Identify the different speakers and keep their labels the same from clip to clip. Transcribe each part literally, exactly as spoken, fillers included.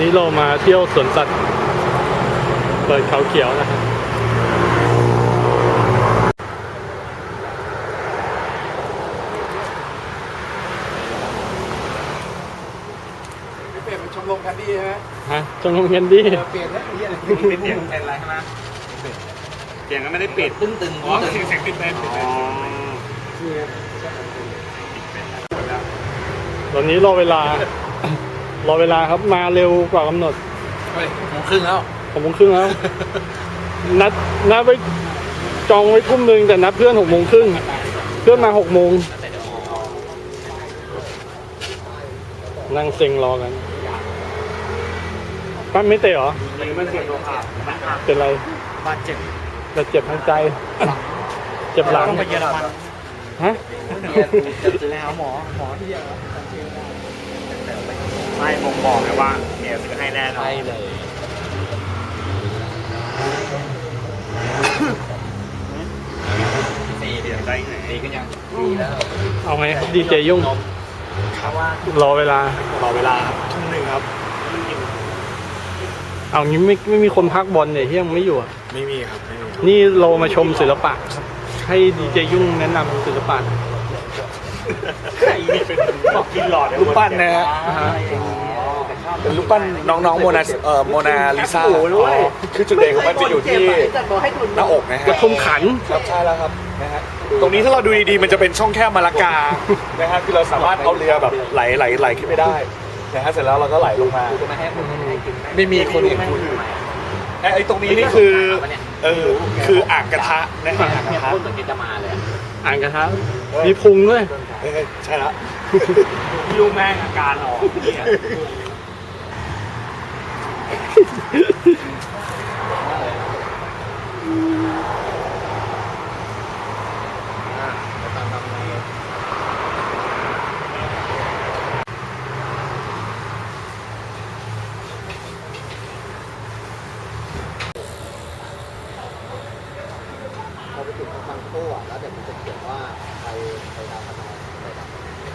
Speaker 1: นี้เรามาเที่ยวสวนสัตว์เปิดเขาเขียวนะครับ
Speaker 2: เปลี่ยนเป็นชมรมแคนดี้ใช่ไหม
Speaker 1: ฮะชมรมแคนดี้
Speaker 2: เปลี่ยนแล้วเปลี่ยนเปลี่ยนเป็นอะไรใช่ไหมเปลี่ยนก็ไม่ได้ปิดตึ้งตึงอ๋อเสียงเสียงปิดไปปิดไป
Speaker 1: ตอนนี้รอเวลา รอเวลาครับมาเร็วกว่ากำหนด
Speaker 2: เฮ้ยโมงครึ่งแล้ว
Speaker 1: หกโมงครึ่งแล้วนัดนัดไว้จองไว้ทุ่มหนึ่งแต่นัดเพื่อนหกโมงครึ่งเพื่อนมาหกโมงนั่งเซ็งรอกันปั้นไม่เตะเหรอ
Speaker 2: ไม่เสียตัวขาด
Speaker 1: เป็นไร
Speaker 2: บาดเจ็บ
Speaker 1: แต่เจ็บทางใจเจ็บหลัง
Speaker 2: ต้องไปเยอรมัน
Speaker 1: ฮะ
Speaker 2: จะซื้อให้หมอหมอที่เยอรมันไม่บ่งบอกเลยว่าเมียซื้อให้แน่นอนใช่เลยสี่เดือนได้ไงสี่ก็ยังสี่แล้ว
Speaker 1: เอาไงครับดีเจยุ่งรอเวลารอเวลาทุ่มหนึ่งครับเอางี้ไม่ไม่มีคนพักบอลเนี่ยที่ยังไม่อยู่อ่ะ
Speaker 2: ไม่มีครับ
Speaker 1: นี่เรามาชมศิลปะให้ดีเจยุ่งแนะนำศิลปะ
Speaker 2: ใครนี่เป็นบอกกินหลอดรูปปั้นนะฮะเป็นรูปปั้นน้องๆโมนาเอ่อโมนาลิซาคือจุดเด่นของมันจะอยู่ที่หน้าอกนะฮะ
Speaker 1: กระทุมขัน
Speaker 2: ครับใช่แล้วครับนะฮะตรงนี้ถ้าเราดูดีๆมันจะเป็นช่องแคบมาลากานะฮะคือเราสามารถเอาเรือแบบไหลไหลไหลขึ้นไปได้นะฮะเสร็จแล้วเราก็ไหลลงมาไม่มีคนอื่นพูดไอ้ตรงนี้นี่คือเออคืออ่างกระทะนะฮะอ่างกระทะเหมือนจะมาเลย
Speaker 1: อ่างกระทะมีพุงด้วย
Speaker 2: ใช่แล้วยุ่งแม่งอาการออกเนี่ยพอไปถึงทางโค้งแล้วเดี๋ยวมันจะเขียนว่าใครใครดาวพนองอะไรแบบ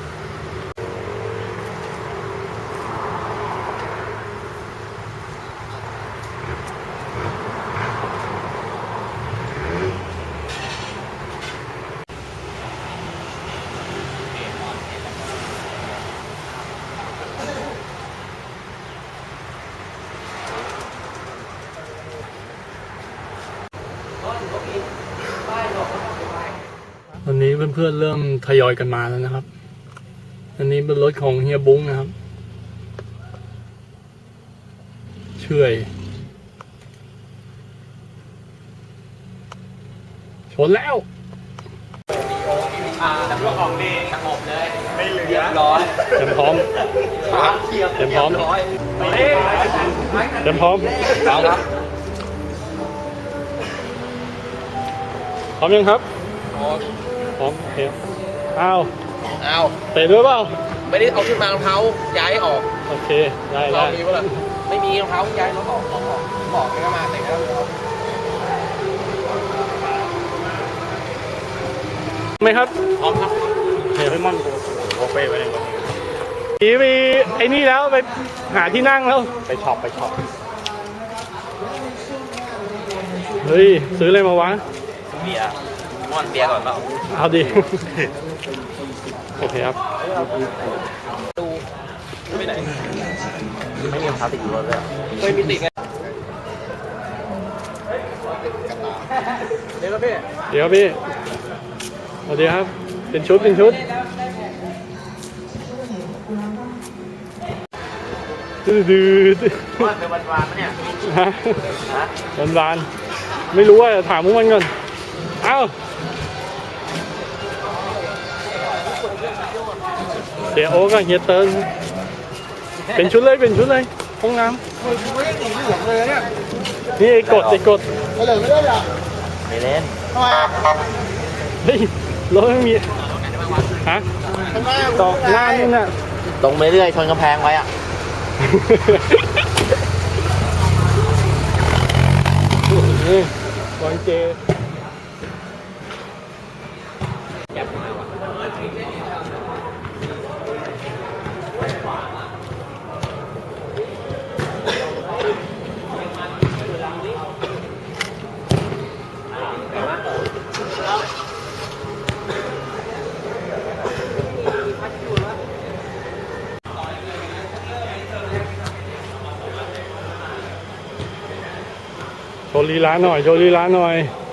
Speaker 1: ตอนนี้เพื่อนๆเริ่มทยอยกันมาแล้วนะครับอันนี้เป็นรถของเฮียบุ้งนะครับเชื่อยชนแล้ว
Speaker 2: แต่พวกของดีสงบเลยไม่เหลือร้อย
Speaker 1: เต็มพร้อมเต็มพร้อมเต็มพร้อม
Speaker 2: เอาครับ
Speaker 1: พร้อมยังครับพร้อมโอเคอ้าว
Speaker 2: อ้าว
Speaker 1: เตะด้วยเปล่า
Speaker 2: ไม่ได้เอาขึ้นมารองเท้าย้ายออก
Speaker 1: โอเคได้ได้
Speaker 2: มีป่ะล่ะไม่มีรองเท้าย้ายรถออกรถออกบอกให้มาแต่แล้ว
Speaker 1: ไหมครับ
Speaker 2: พร้อมครับ
Speaker 1: เฮ้ยมัน
Speaker 2: โอเป้ไปเลย
Speaker 1: ทีไปไอ้นี่แล้วไปหาที่นั่งแล้ว
Speaker 2: ไปช็อปไปช็อป
Speaker 1: เฮ้ยซื้ออะไรมาวะ
Speaker 2: เบียร์มอนเบียร์ก่อนเปล่า
Speaker 1: เอาดิโอเคครับ
Speaker 2: ดูไม่ไหนไม่มีรองเท้าติดอยู่รถเลยไม่มีติดไงเดี๋ยวครับพี่
Speaker 1: เดี๋ยวพี่สวัสดีครับเป็นชุดเป็นชุดดื้อดื้อ
Speaker 2: ว่าเป็นวันวานมั้ยเนี่ย
Speaker 1: ฮะวันวานไม่รู้ว่าถามพวกมันก่อนเอ้าเดี๋ยวโอ้ก็เฮียเติร์นเป็นชุดเลยเป็นชุดเลยห้องน้ำนี่ไอ้กดไอ้กด
Speaker 2: ไม่เล่นไม่เล่นหรอไม่เล่นทำไม
Speaker 1: เฮ้ยรถไม่มีฮะตอกหน้านี่น่ะ
Speaker 2: ตรงไปเรื่อยชนกำแพงไว้อ่ะ
Speaker 1: นี่บอลเจว์ลีลาหน่อยโชว์ลีลาหน่อย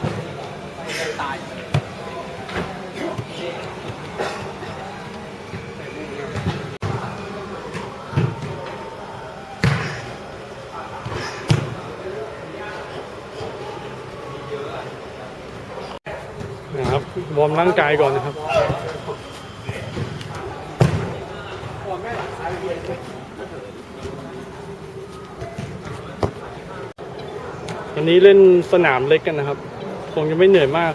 Speaker 1: นะครับวอร์มร่างกายก่อนนะครับวันนี้เล่นสนามเล็กกันนะครับคงจะไม่เหนื่อยมาก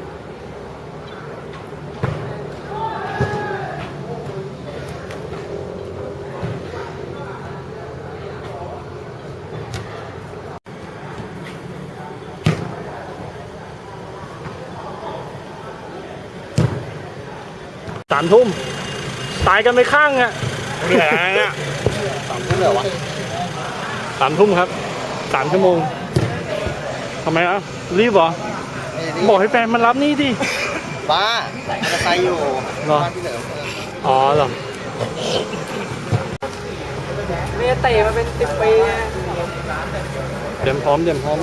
Speaker 1: สามทุ่มตายกันไปข้างอ่ะเหนื่อยอ่ะสามทุ่มเหรอวะสามทุ่มครับสามชั่วโมงทำไมอ่ะรีบเหรอบอกให้แฟนมันรับนี่ดิ
Speaker 3: บ้ามันจะใส่อยู่
Speaker 1: เหรออ๋อเหรอ
Speaker 3: เมียเตะมาเป็นสิบปี
Speaker 1: เตรียมพร้อมเตรียมพร้อม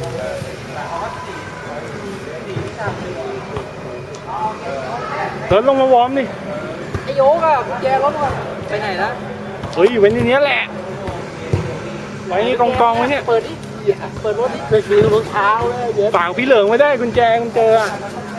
Speaker 1: เดินลงมาวอร์มดิ
Speaker 3: ไอโยกอะแจรถไปไหนละ
Speaker 1: เฮ้ยไว้ในนี้แหละไว้กองกองไว้เนี่ย
Speaker 3: เปิดดิเปิดรถดิเปิดมีรองเท้าเลยเยอะ
Speaker 1: ฝากพี่เหลิงไว้ได้กุญแจกุญแจอ่ะ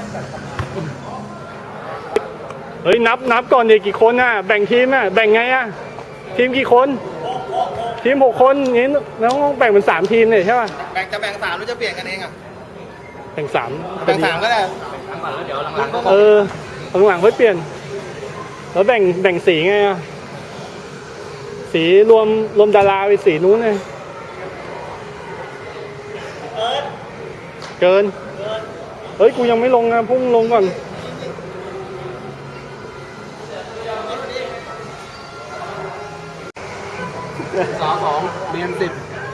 Speaker 1: เฮ้ยนับนับก่อนเด็กกี่คนอ่ะแบ่งทีมอ่ะแบ่งไงอ่ะทีมกี่คนทีมหกคนนี้แล้วต้องแบ่งเป็นสามทีมเนี่ยใช่ป่ะ
Speaker 3: แบ่งจะแบ่งสามหรือจะเปลี่ยนกันเองอ่ะ
Speaker 1: แบ่งสาม
Speaker 3: แบ่งสามก็ได้
Speaker 1: เออหลังๆค่อยเปลี่ยนแล้วแบ่งแบ่งสีไงอ่ะสีรวมรวมดาราไปสีนู้นเลยเกินเฮ้ยกูยังไม่ลงนะพุ่งลงก่อน
Speaker 3: สองสองเรียนสิบ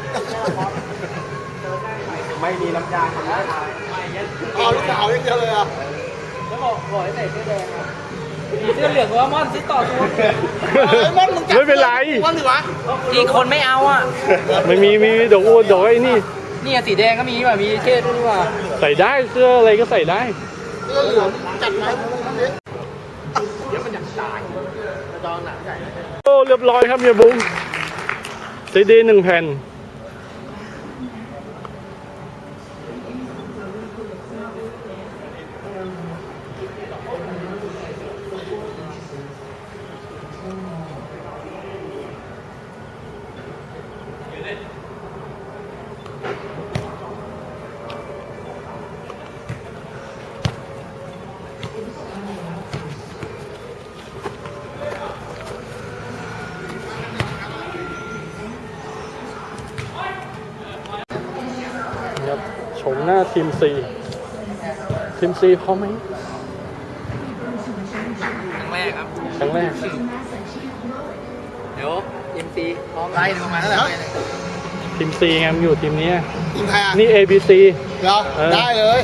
Speaker 3: ไม่มีน้ำยาทำได้อ๋อลูกสาวยังเดียวเลยอ่ะแล้วบอกบอกให้ใส่เสื้อแดงเสื้อเหลืองว่าม่อนซื้อต่อตัวม่อนมึงจับ
Speaker 1: ไม่เป็นไร
Speaker 3: ม่อนหรือวะอีกคนไม่เอาอ่ะ
Speaker 1: ไม่มีมีดอกอ้วนดอกไอ้นี่
Speaker 3: นี่สีแดงก็มีว่ะมีเชือกด้วยว่ะ
Speaker 1: ใส่ได้เสื้ออะไรก็ใส่ได้
Speaker 3: เสื้อเหลืองจัดไหมเดี๋ยวมันอยากตายจองหนังใหญ่
Speaker 1: โอ้เรียบร้อยครับเฮียบุ้งซีดีหนึ่งแผ่นชมหน้าทีมซีทีมซีพร้อมไหม
Speaker 3: ครั้งแรกครับ
Speaker 1: ครั้งแรก
Speaker 3: เดี๋ยวทีมซีพร้อมไล่ประมาณเท่าไหร่
Speaker 1: ทีมซีไงมันอยู่ทีมนี้
Speaker 3: ทีมใครอ่ะ
Speaker 1: นี่ เอ บี ซี
Speaker 3: เหรอได้เลย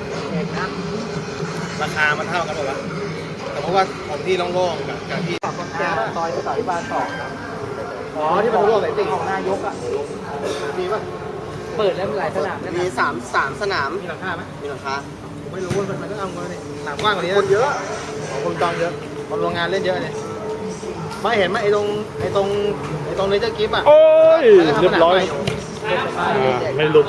Speaker 3: ราคามันเท่ากันหมดวะแต่เพราะว่าของที่โล่งๆกับกับที่ซอยสายบานสองอ๋อที่มันร่วมไหนติ่งของนายกอ่ะมีป่ะเปิดแล้วมีหลายสนามมีสามสามสนามมีหลังคาไหมมีหลังคาผมไม่รู้ว่ามันต้องเอาเงินนี่สนามกว้างกว่านี้คนเยอะคนจองเยอะคนโรงงานเล่นเยอะเนี่ยไม่เห็นไหมไอ้ตรงไอ้ตรงไอ้ตรงเลเจอร์กิฟต์อ่ะ
Speaker 1: โอ้ยเรียบร้อยไม่หลุด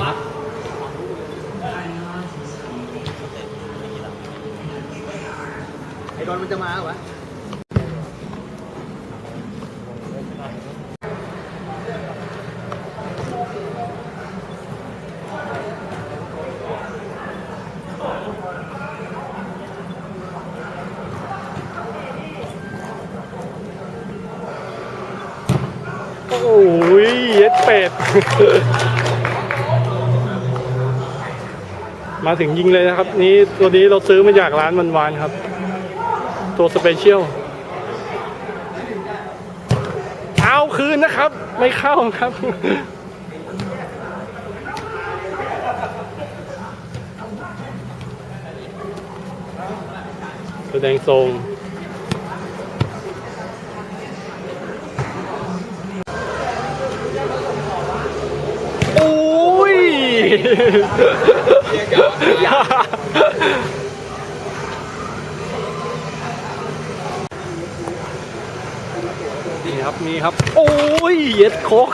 Speaker 3: ไอ้โดนมันจะมาเหรอวะ
Speaker 1: โอ้ยเย็ดเป็ด มาถึงยิงเลยนะครับนี่ตัวนี้เราซื้อมาจากร้านวันวานครับตัวสเปเชียลเอาคืนนะครับไม่เข้าครับแสดงทรงโอ้ยนี่ครับมีครับ โอ้ยเย็ดโคก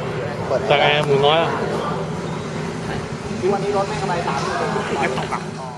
Speaker 1: จากไงหมูน้อยอ่ะ
Speaker 3: วันนี้รถไม่กำไรสามสิบ